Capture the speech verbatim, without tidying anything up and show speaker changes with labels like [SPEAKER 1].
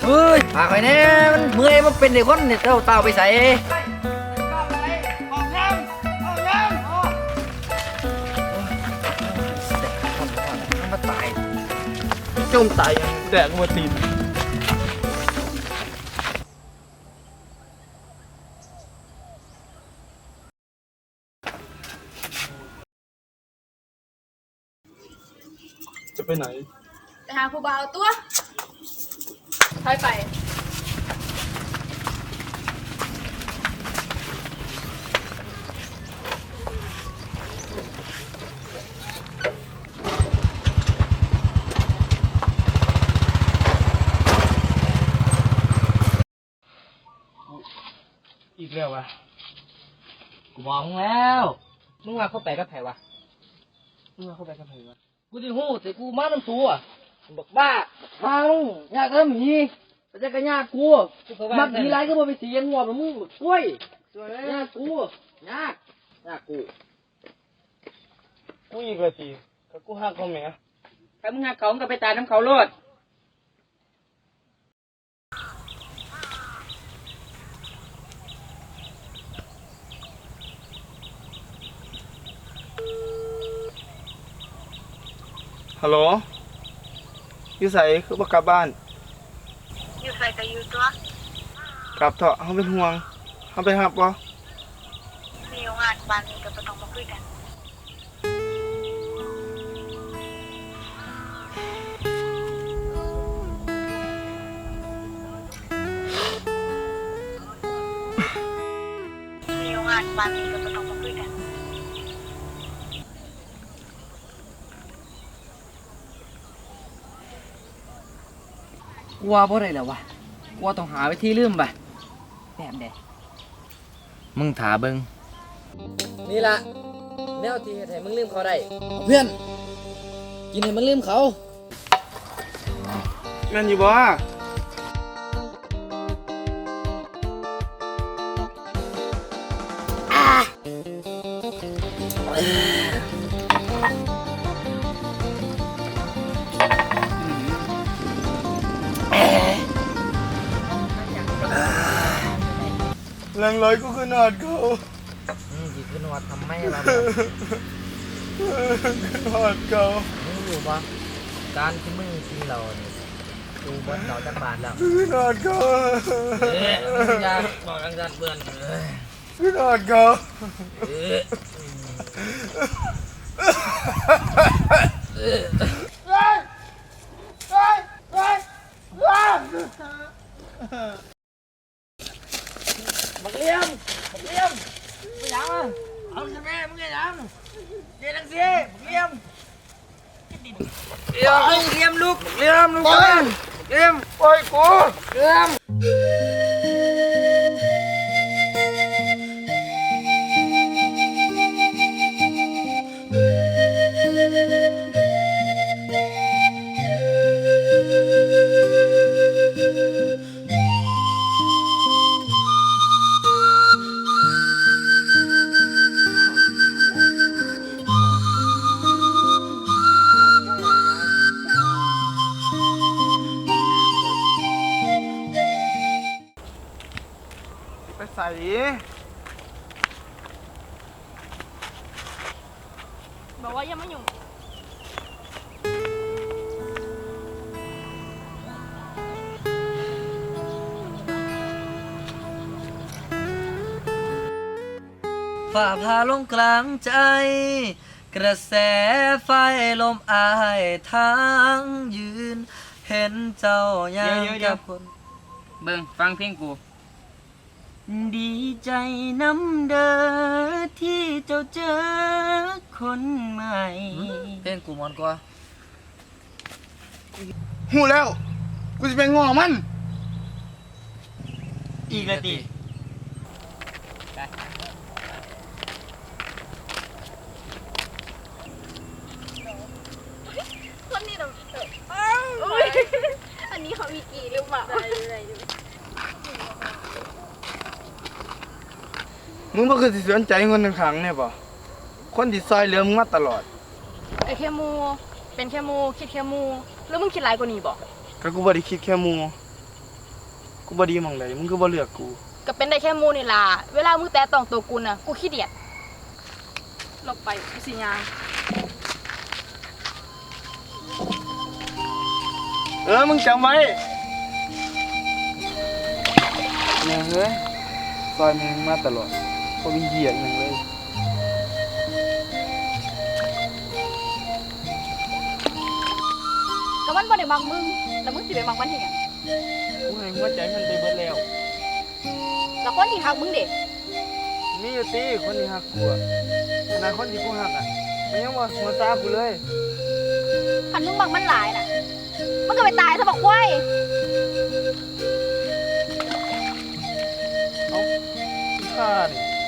[SPEAKER 1] ฮ้ยพาไปเนี่ยมันเมื่อยมันเป็นเด็กคนเนี่ยเต้าเต้าไปใส่มาตายจมตายแดกมาตีน
[SPEAKER 2] จะไปไหน
[SPEAKER 3] ไปหาผู้บ่าวตัวถอยไป
[SPEAKER 1] อีกแล้ววะกูบอกมึงแล้วมึงว่าเข้าไปกับไผวะมึงว่าเข้าไปกับไผวะกูจะหู้แต่กูมาน้ำตัวบอกบ้าทางยากเริ่มหีแต่จะกันยากกูมักดีไรก็บ่ไปเสียงหัวมึงกล้วยยากกูยากยากกู
[SPEAKER 2] กูอีกแล้วสิก็กูหักเขาแหม
[SPEAKER 1] ถ้ามึงหักเขามึงก็ไปตายน้ำเขาโลด
[SPEAKER 2] ฮัลโหลอยู่ไสคือบ่กลับบ้าน
[SPEAKER 3] อยู่ใส่แต่อยู่ตัว
[SPEAKER 2] กลับเถอะเฮาเป็นห่วงเฮาไปรับบ่
[SPEAKER 3] มีงานบ้านนี้ก็บ่ต้องมาคุยกันมีงานบ้านนี้ก็บ่ต้องมาคุยกัน
[SPEAKER 1] กลัวบ่ได้แล้ววะกลัวต้องหาวิธีลืมป่ะแบบเด็มึงถาเบิงนี่ละแนวที่ให้มึงลืมเขาได้เพื่อนกินให้มันลืมเขา
[SPEAKER 2] แม่นอยู่บ่แรงร้อยก็ขนาดเขา
[SPEAKER 1] อืมจีขึ้นวัดทำไมล่ะ
[SPEAKER 2] ขนาดเขา
[SPEAKER 1] มึงรู้ปะการที่มึงกินเราเนี่ยดูบนเราจักบาทแล้ว
[SPEAKER 2] ขนาดเขา
[SPEAKER 1] เอ๊ะมึงอยากบอกกันกันเพื่อน
[SPEAKER 2] ขนาดเขา
[SPEAKER 1] เอ๊ะบักเลี้ยมบักเลี้ยมไม่ยังอ่ะเอาใช่ไหมมึงยังเดี๋ยวนังสิบักเลี้ยมเดี๋ยวบักเลี้ยมลูกบักเลี้ยมลูกบักเลี้ยม
[SPEAKER 2] ปล่อยกู
[SPEAKER 1] เลี้ยม
[SPEAKER 2] ไปใส่
[SPEAKER 3] บอกว่ายังไม่อยู่
[SPEAKER 1] ฝ่าพาลงกลางใจ กระแสไฟลมอายทางยืน เห็นเจ้ายังกับคนเบิ่งฟังเพลงกูดีใจน้ำเด้อที่เจ้าเจอคนใหม่เพลงกูมอนกว่า
[SPEAKER 2] หูแล้วกูจะไปง้อมัน
[SPEAKER 1] อีกแล้วติ
[SPEAKER 3] คนนี้เราอันนี้เขามีกี่หรือเปล่า
[SPEAKER 2] มึงบ่คือสิสนใจคนข้างๆเนี่ยป่ะคนที่ซอยเหลือมึงมาตลอด
[SPEAKER 3] ไอ้แค่มูเป็นแค่มูคิดแค่มูแล้วมึงคิดไรกว่านี้บ่
[SPEAKER 2] ก็กูบ่ได้คิดแค่มูกูบ่ดีหม่องใดมึงคือบ่เลือกกู
[SPEAKER 3] ก็เป็นได้แค่หมูนี่ล่ะเวลามึงแตะต้องตัวกูน่ะกูขี้เดียดหลบไปกูสิยาง
[SPEAKER 2] เออมึงจำไว้แม่งเอ้ยซอยมึงมาตลอดบ่มีเหี้ยอหยังเลย
[SPEAKER 3] ก็มันบ่ได้มักมึงแล้วมึงสิไปมักมันเฮ็ดหยัง
[SPEAKER 2] กูให้หัวใจมันไปเบิดแล้ว
[SPEAKER 3] แล้วคนที่ฮักมึงเด้
[SPEAKER 2] มีอยู่ติคนที่ฮักกูอะขนาดคนที่กูฮักอ่ะมันยังบ่หัวตากูเลย
[SPEAKER 3] คันมึงมักมันหลายน่ะมันก็ไปตายซะบักควาย
[SPEAKER 2] เอ้าขี้ข้านี่